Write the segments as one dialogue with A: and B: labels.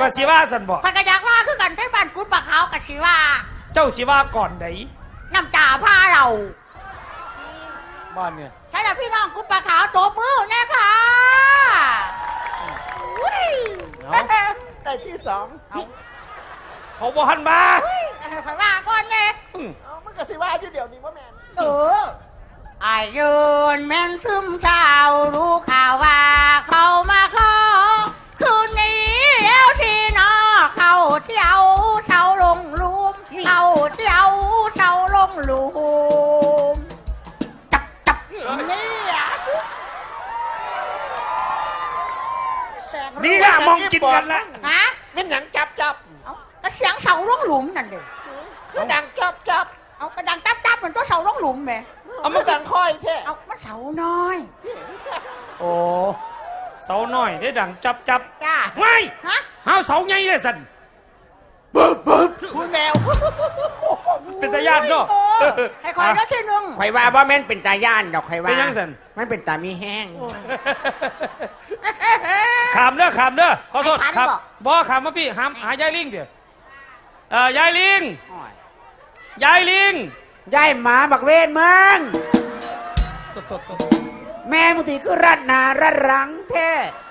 A: กับสิว่าสันบอก
B: ข้อยก็อยากว่าคือกันที่บ้านกุดปะขาวกับสิว่า
A: เจ้าสิว่าก่อนไหน
B: น้ำตาพาเรา
A: บ้านเนี่ย
B: ใช่แล้วพี่น้องกุดปะขาวตบมือแน่ค่ะ
C: ได้ที่สอง
A: เขาบอกหันมา
B: ข้อยว่าก่อนเลย
C: มันก็สิว่าอยู่เดี๋ยวนี้ว่าแมน
B: อายุนแม่นซึมเช้ารู้ข่าวว่าเขามาขอคืนนี้แล้วที่นอเขาเที่ยวเช้าลงลุมเขาเที่ยวเช้าลงลุมจับ
A: นี่ล่ะมองกินกันละ
B: ฮะ
C: นี่หนังจับ
B: ก็เสียงเสาลงหลุมนั่นเด้
C: คือดังจับ
B: เอากระดังจับมันก็เสาลงหลุมแม่
C: เอามันดังค่อยแท้
B: เอามันเสาน้อย
A: โอ้เสาน้อยได้ดังจับ
B: จ้า
A: ไม่
B: ฮะ
A: เฮาเสาใหญ่เลยสัน
B: พูดแมว
A: เป็นตาญาติเนาะ
B: ให้คอยก็ทีนึง
C: ข่อยว่าบ่แม่นเป็นตาย่านดอกข่อยว่า
A: เป็นยังสัน
C: มันเป็นตามีแห้ง
A: ขามเด้อขอโทษครับบ่ขามมาพี่หายายลิงเดี๋ยวยายลิงยาย
C: หมาบักเวนมึงแม่มุติคือรัดหนารัดหลังแท้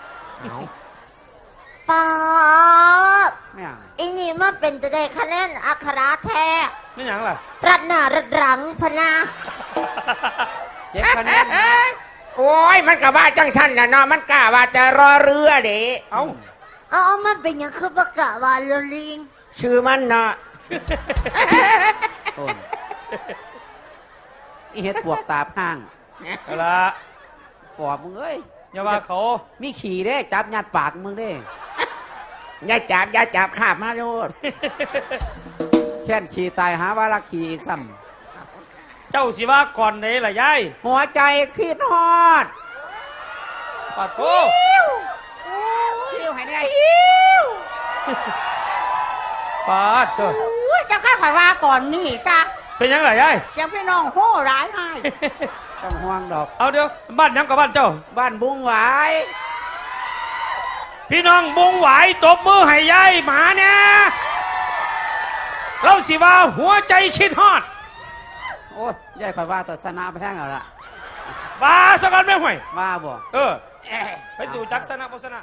D: ป๊าบ
C: ไม่เอา
D: อีนี่มันเป็นจะได้คะแนนอัคราแท้
A: ไม่หยังล่ะ
D: รัดหน้ารัดหลังพนา
C: เจ็บคะแนนโอ้ยมันกะว่าจังชั้นนะเนาะมันกะว่าจะรอเรือเด้
D: เอามันเป็นอย่างคือประกาศว่าลลิง
C: ชื่อมันเนาะนี่เฮ็ดปวกตาพัง
A: เอาละ
C: ปอบมึงเอ้ย
A: อย่าว่าเขา
C: มีขี่เด้จับยัดปากมึงเด้อย่าจับขาบมาโลดแค่นขี่ตายหาว่ารักขี่อีกซ้
A: ำเจ้าสิว่าก่อนไหนล่ะยาย
C: หัวใจคิดฮอด
A: ปาโถ
C: หิวให้ได้
A: ปาโถ
B: จะข้าข่อยว่าก่อนนี่ซะ
A: เป็นยังไงยาย
B: เสียงพี่น้องโห่ร้ายให้
C: ต้องห่วงดอก
A: เอาเดี๋ยวบ้านยังกับบ้านเจ้า
C: บ้านบุ้งหวาย
A: พี่น้องบุ้งหวายตบมือให้ยายหมาเนี่ยเราสิว่าหัวใจคิดฮอด
C: โอ้ยยายข่อยว่าตัดสนาไปแท่งเอาละ
A: บ้าสักกันไม่ห่วย
C: บ้าบ่
A: ไปสู่จักษณะโฆษณา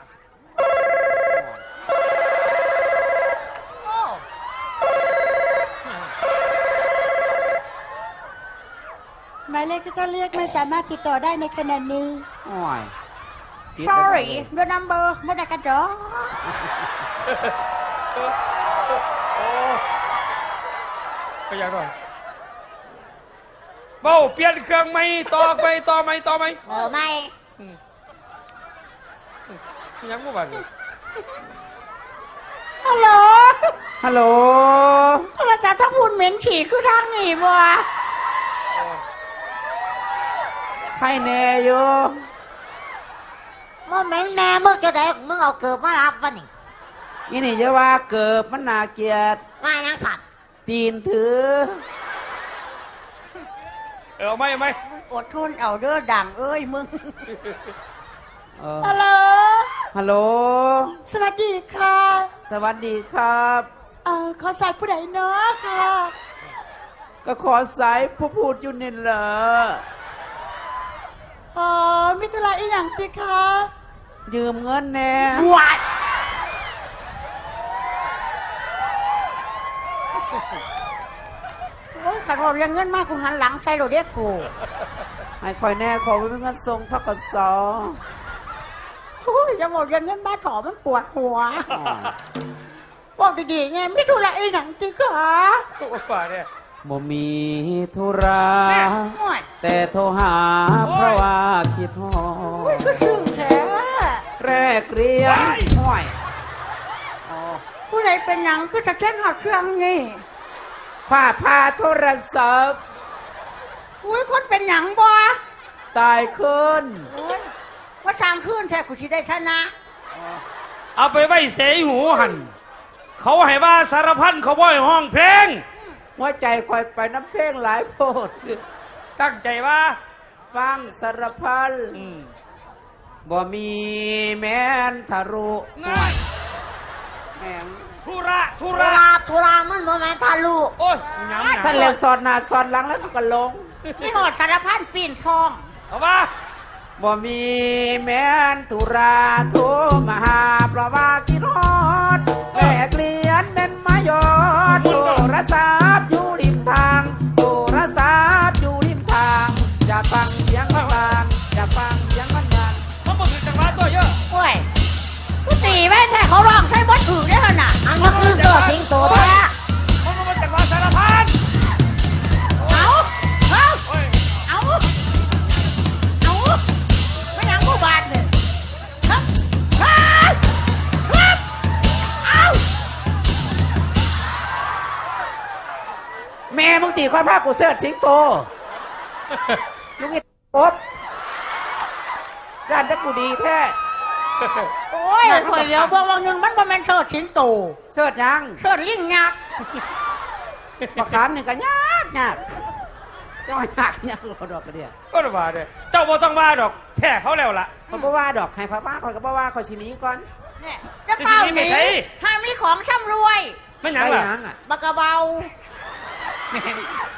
B: หมายเลขที่ท่านเรียกไม่สามารถติดต่อได้ในขณะนี้
C: โอ้ย
B: sorry the number ไม่ได้กระจอก
A: ก็ยังด้วยเบ้าเปลี่ยนเครื่องไม่ต่อไหม
D: ไม่
A: ยังไม่บ้าน
B: ฮัลโหลโทรศัพท์ทั้งหุ่นเหม็นฉี่คือทางหนีบัว
C: ให้แน่อยู่
D: มึงแม่มึงจะได้มึงเอาเกิบมารับวะ
C: นี่นี่จะว่าเกิบมันน่าเกลียด
D: ว่ายังสัตว์
C: ตีนถือ
A: ไม่
B: อดทนเอาเด้อดังเอ้ยมึงฮัลโหลสวัสดีค่ะ
C: สวัสดีครับ
B: ขอสายผู้ใดเนาะค่ะ
C: ก็ขอสายผู้พูดอยู่นี่เหรอ
B: มิถุลาอีหยังติคะ
C: ยืมเงินแน่
B: วัดโอ้ยขัดผมยังเงินมากกูหันหลังใส่โรเดียกู
C: ให้คอยแน่ขอเป็นเงินทรงทกศ
B: โอ้ยจะบอกยังเงินบ้าถอมันปวดหัวบอกดีๆไงมิถุลาอีหยังติคะ
A: ป่าเนี่ย
C: บ่มีธุระแต่โทรหาเพราะว่าคิดฮอด
B: ก็ซึ้งแท้
C: แรกเรียนห้อย
B: ผู้ใดเป็นหยังคือจะเช่นหอดเครื่องนี่
C: ฝ้าพาโทรศัพท์
B: อุ้ยคนเป็นหยังบ่
C: ตายขึ้น
B: ว่าสร้างขึ้นแท้กูสิได้ชนะ
A: เอาไปไว้เสยหูหันเขาให้ว่าสารพันเขาบ่อยห้องเพลง
C: หัวใจคอยไปน้ำเพลงหลายโพด
A: ตั้งใจว่า
C: ฟังสารพันบ่มีแม้นทะลุแม่ง
A: ธุระธุ
D: ธุ
A: ระ
D: ระธุระมันบ่แม่นทะลุ
A: โอ้ยย้ำหนั
C: ท่านแล้วสอนหน้าสอนหลังแล้วก็ลง
B: ไม่หอดสารพันปีนทอง
A: เอามา
C: บ่มีแม่นธุราโทรมาหาเพราะว่ากินฮอดแลกเลียนเป็นมายอดโทรศัพท์อยู่ริมทางโทรศัพท์อยู่ริมทางจะฟังเสียงมันบางจะฟังเสียงมันบาง
A: มันบ่ถือจังหวะตัวเยอะ
B: โอ้ยกูตีแม่งแค่เขาร้องใช้บดถือได้ขนาด
D: อันก็คือเสือสิงโตแท้
A: มันบ่จังหวะสารพัน
B: เอาเอา
A: โอ้ย
B: เอาไม่ยังกูบาดเนี่ยครับเอา
C: แม่มึงตีความภาคกูเสิร์ชสิงโตลูกไอ้ป๊บย่านจะกูดีแท้
B: โอ้ยข่อยเดียวบอกว่าหนึ่งมันบ่แม่นเชิดสิงโต
C: เชิดยัง
B: เชิดลิงยักษ์
C: ประคามหนึ่งก็ยากยากเจ้ายากยากกระดอกกระเดีย
A: ก็ระบาดเลยเจ้าบ่ต้องว่าดอกแค่เขาแล้วล่ะ
C: เขาบอกว่าดอกให้เขาว่าเขาก็บอกว่าเขาสิหนี้ก่อน
B: เนี่ยจะเฝ้าหนีห้ามมีของช่ำรวย
A: ไม่หยัง
C: ไป
A: ล่ะ
C: ยังอ่ะ
B: บักกะเบา
C: แม่ง